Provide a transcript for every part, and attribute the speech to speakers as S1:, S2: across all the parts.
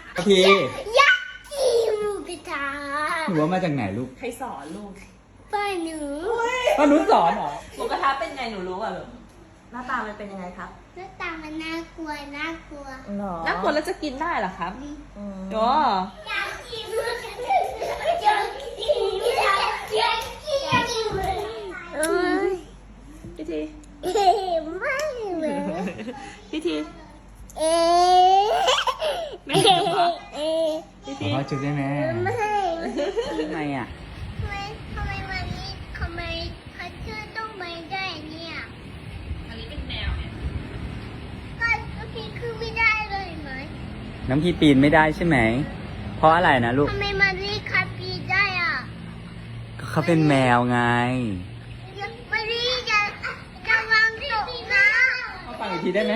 S1: พี่
S2: ยักษ์กินหมูกระทะ
S1: หนูว่ามาจากไหนลูก
S3: ใครสอนลูก
S2: ป้าหนู
S1: ป้านุชสอนเหรอ
S3: หมูกระทะเป็นไงหนูรู้อ่ะแบบหน้าตามันเป็นยังไงครับ
S2: หน้าตามันน่ากลัวน่ากลัว
S3: น่ากลัวแล้วจะกินได้เหรอครับอ๋อ
S2: อยากกินหมูกระทะอยากกินอยากกินอยากกินเอ้ย
S3: พี่ที
S2: ไม่เลย
S3: พี่ที
S2: เอ๊ะ
S3: ไม่เห็นเหรอ
S2: เอ๊ะ
S3: พี่
S1: ข
S3: ที
S1: อพ่อจุดได้ไหม
S2: ไม่
S1: ทำไมอ่ะ
S2: ทำไมวันนี้ทำไมพัชเชอร์ต้องไม่ได้เนี่ย
S3: อันนี้เป็นแมวเนี่ย
S2: ก็โอเคคือไม่ได้เลยไหม
S1: น้ำพี่ปีนไม่ได้ใช่ไหม เพราะอะไรนะลูก
S2: ทำไมมันรีคัดปีได้อ่ะ
S1: ก็เขาเป็นแมวไง
S2: มันรีจะวางตกนะ
S1: เขาฟังอีกทีได้ไหม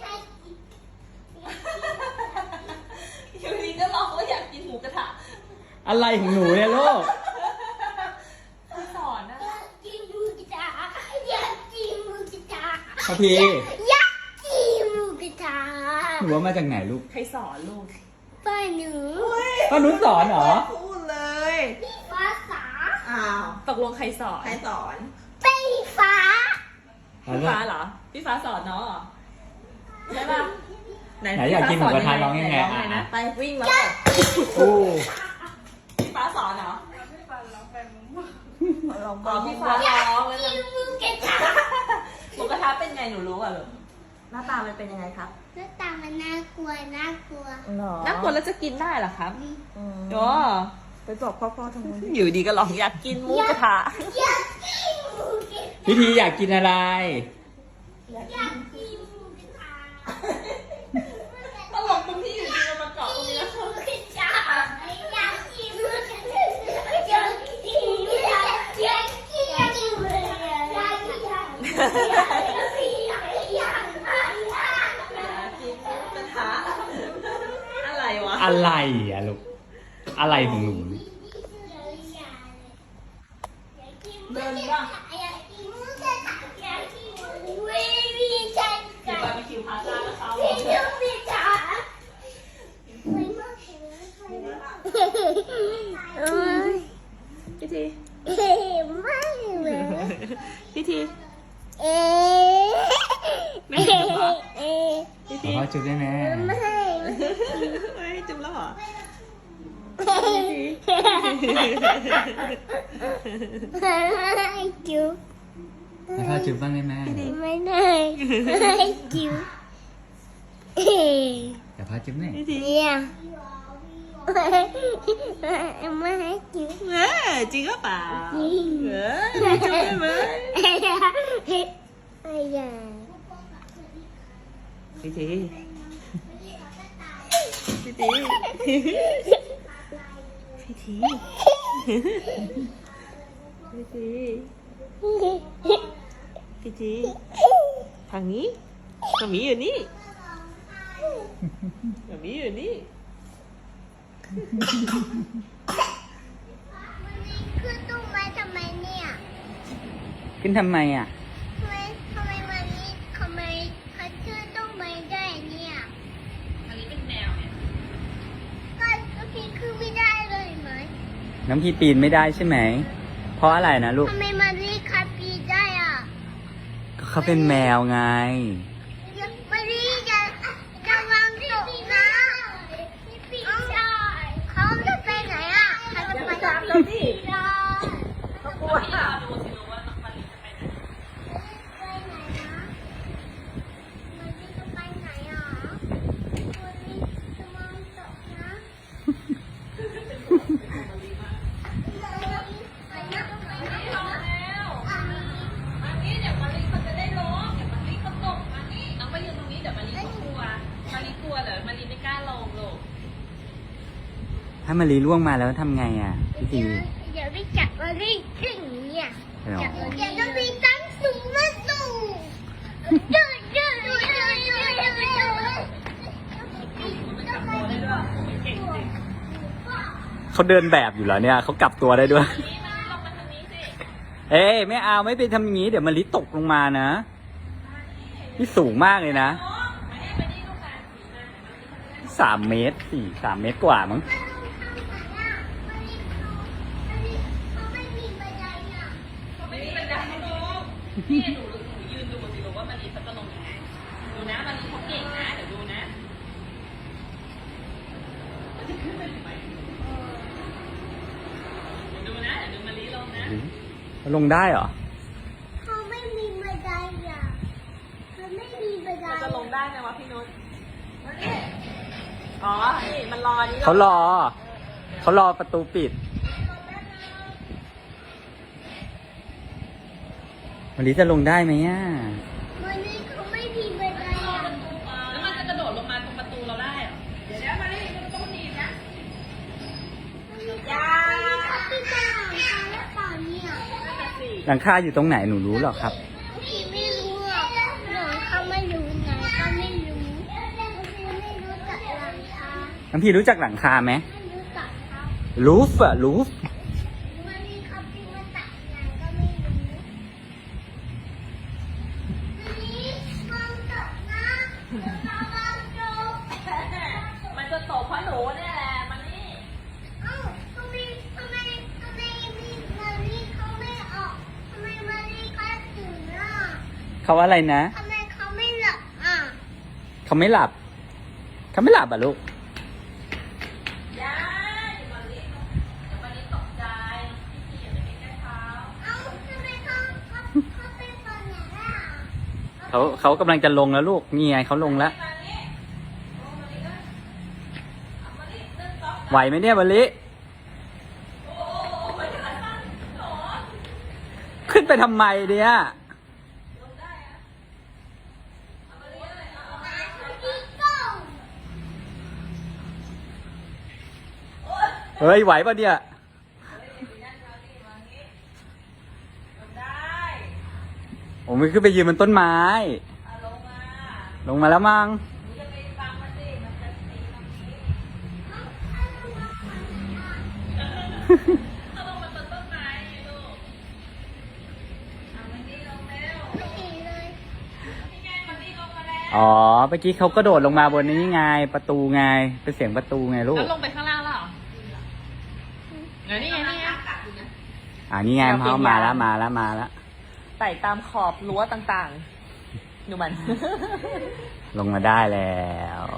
S3: อยู่ดีก็ร้องว่าอยากกินหมูกระทะ
S1: อะไรของหนูเนี่ยลูก
S3: พี่สอนนะ
S2: อยากกินหมูกระทะอยากกินหมูกระทะ
S1: พี่
S2: อยากกินหมูกระทะ
S1: หนูว่ามาจากไหนลูก
S3: ใครสอนลูก
S2: ป้าหนู
S1: ป้านุชสอนเหรอ
S3: พูดเลย
S2: ภาษา
S3: อ้าวตกลงใครสอนใครสอน
S2: ไฟฟ้า
S3: พี่ฟ้าเหรอพี่ฟ้าสอนเนาะใช่ปะ
S1: ไหนอยากกินหมูกระทะร้องยังไง
S3: ร้องไงนะไปวิ่งมาก่อน
S1: โอ้
S3: พี่ฟ้าสอนเหรออ๋อพี่ฟ้าร้องแล้ว
S2: กิ
S3: นะ
S2: นหมูกระทะ
S3: หมูกระทะเป็นไงหนูรู้อ่ะแบบหน้าตามันเป็นยังไงครับ
S2: หน้าตามันน่ากลัวน่ากลัว
S3: น่ากลัวแล้วจะกินได้เหรอครับอ๋อไปบอกพ่อทำไมอยู่ดีก็ร้องอยากกินหมูกระทะ
S2: อยากกินหมูกระทะ
S1: พี่ทีอยากกินอะไร
S2: อยากกินหมูกระทะ
S3: ตลกตรงที่อยู่ดีมันมาเกาะตรงนี้แล้ว
S2: หมูกระทะอยากกินหมูกระทะอยากกินอยากกินอยากกินหมูกระทะอยากกินอยากกินอยากกินอยากกิน
S3: กินหมูกระทะอะไรวะ
S1: อะไรอ่ะลูก อะไรของหนู
S3: เดินบ้าง
S2: อยากกินหมูกระทะอยากกินวิวีจัน
S3: เดี๋ยว
S2: กั
S3: ไป
S2: น
S3: ไปคิวพาซ่าแล้วเขา
S2: กินหมูกระทะเอ้ย
S3: พี่ที
S2: ไม่เลย
S3: พี่ที
S2: เอ๊ะ
S3: ไม่เห็นเหรอ
S2: เอ๊ะ
S3: พี่
S1: ขอ
S3: ที
S1: พ่อจุดได้ไหม
S2: ไม่
S3: เฮ้ยจุ๊บแล้วเหรอ
S2: จุ๊บ
S1: ให้พ่อจุดบ้างได้ไหม
S2: ไม่ได้ไม่จุ๊บเอ๊ะ
S1: แต่พ่อจุดหน่อย
S3: พี่ที
S2: เนี่ยไม่ให้จุ๊บ
S3: จริงก็เปล่า
S2: จริง
S3: จุ๊บได้ไหม
S2: ไอ้ยา
S3: พี่ทีพี่ทีพี่ทีพี่ทีพี่ทีทางนี้ทางนี้อยู่นี่ทางนี้อยู่นี่
S2: คือตู้ไม้ทำไมเนี่ย
S1: ขึ้นทำไมอ่ะ
S2: ทำไมวันนี้ทำไมพัชเชอร์ต้องไม่ได้เนี่ย
S3: อันนี้เป็นแมวเนี่ย
S2: ก็โอเคคือไม่ได้เลยไหม
S1: น้ำพี่ปีนไม่ได้ใช่ไหม เพราะอะไรนะลูก
S2: ทำไมมันรีคัดปีได้อ่ะ
S1: ก็เขาเป็นแมวไง
S2: มันรีจะวางตกนะเขาจะไปไหนอ่ะเขาจะไปไหน
S3: เราดิเขากลัวดูสิรู้ว่ามันจะไปไหน
S2: ไปไหนนะมันรีจะไปไหนอ่ะมันรีจะวางตกนะ
S3: อันนี้เดี๋ยวมารีเขาจะได้ร้องเดี๋ยวมารีเขาตกอันนี้น้องมายืนตรงนี้เดี๋ยวมารีเขากลัวมารีกลัวเหรอมารีไม่กล้าลงลูก
S1: ถ้ามารีล่วงมาแล้วทำไงอ่ะ พี่ที
S2: เดี๋ยวไปจับมันรีขึ้นเนี่ย
S1: หรอ
S2: เดี๋ยวจะมีตั้งสูงมาสูงเดินเดินเดินเดินเดินเดิน
S3: เก่งจริง
S1: เขาเดินแบบอยู่เหรอเนี่ยเขากลับตัวได้ด้วย
S3: นี่มาลงมาทางนี้สิ
S1: เอ้ยไม่เอาไม่ไปทำอย่างนี้ เดี๋ยวมาลิตกลงมานะ นี่สูงมากเลยนะ
S3: น้องมานี่ลูกมา
S1: 3 เมตร3 เมตรกว่ามั้ง
S3: ไม่มีบันไดให้ลงนี่หนูยืนดูสิลูกว่ามารีเขาจะลงยังไงดูนะมารีเขาเก่งนะเดี๋ยวดูนะมันจะขึ้นไปทำไมเดี๋ยวดูนะเดี๋ยวดูมารีลงนะ
S1: ลงได้เหรอ
S2: เขาไม่มีบันไดอ่ะเขาไม่มีบันได
S3: มันจะลงได้ไหมวะพี่นุชอ๋อ นี่มันรอนี่
S1: เขารอประตูปิดวันนี้จะลงได้ไหมอ่ะ
S2: วันนี้เขาไม่มีบันไดอ่ะ
S3: แล้วมันจะกระโดดลงมาตรงประตูเราได้เหรอเดี๋ยวมารีมันต้องหนีนะ
S2: ยาเขาปิดหลังคาแล้วเปล่าเนี่ย
S3: นั่นน่ะสิ
S1: หลังคาอยู่ตรงไหนหนูรู้หรอครับ
S2: พี่ไม่รู้อ่ะหนูเขาไม่รู้ไงก็ไม่รู้พี่ไม่รู้จักหลังคา
S1: น้ำพี่รู้จักหลังคาไหม
S2: ไม่รู้จักครับ
S1: รูฟอะรูฟ
S2: วันนี้เขาพิมพ์มาตัดไงก็ไม่รู้วันนี้ความตกนะเราเราจบ
S3: มันจะตกเพราะหนูเนี่ยแหละมันนี่
S2: เอ้าทำไมมีมารีเขาไม่ออกทำไมมารีเขาตื่นอ่ะ
S1: เขาอะไรนะ
S2: ทำไมเขาไม่หลับอ่ะ
S1: เขาไม่หลับอ่ะลูก
S3: ยายเดี๋ยวมารีตกใจพี่อย่าไปใกล้เท้า
S2: เอ้าทำไมเขาเป็นคนอย่างนั้นอ่ะ
S1: เขากำลังจะลงแล้วลูกนี่ไงเขาลงแล้ว
S3: มารีโอ้มารีก็เอามารีเดินต๊อก
S1: ไหวไหมเนี่ยวันลิ
S3: โอ้มันจะสั้นหรอ
S1: ขึ้นไปทำไมเนี่ย
S3: ลงได้อะเอามารีเลยเอา
S2: พี่ก้อง
S1: เฮ้ยไหวปะเนี่ย
S3: ลงได้
S1: ผมไม่ขึ้นไปยืนบนต้นไม้
S3: เอาลงมา
S1: ลงมาแล้วมั้ง
S3: หนูจะไปฟังมันสิมันจะตีตรงนี้เอาลงมาต้นไม้ไงลูกเอามันนี่ลงแล้ว
S2: ไม่เห็นเลย
S3: นี่ไงมันนี่ลงมาแล้ว
S1: อ๋อเมื่อกี้เขากระโดดลงมาบนนี้ไงประตูไงเป็นเสียงประตูไงลู
S3: แล้
S1: ก
S3: วลงไปข้างล่างแล้วเหรอนี่ไงนี่ไง
S1: นี่ไงเขามาแล้ว
S3: ไต่ตามขอบรั้วต่างๆ ดูมัน
S1: ลงมาได้แล้ว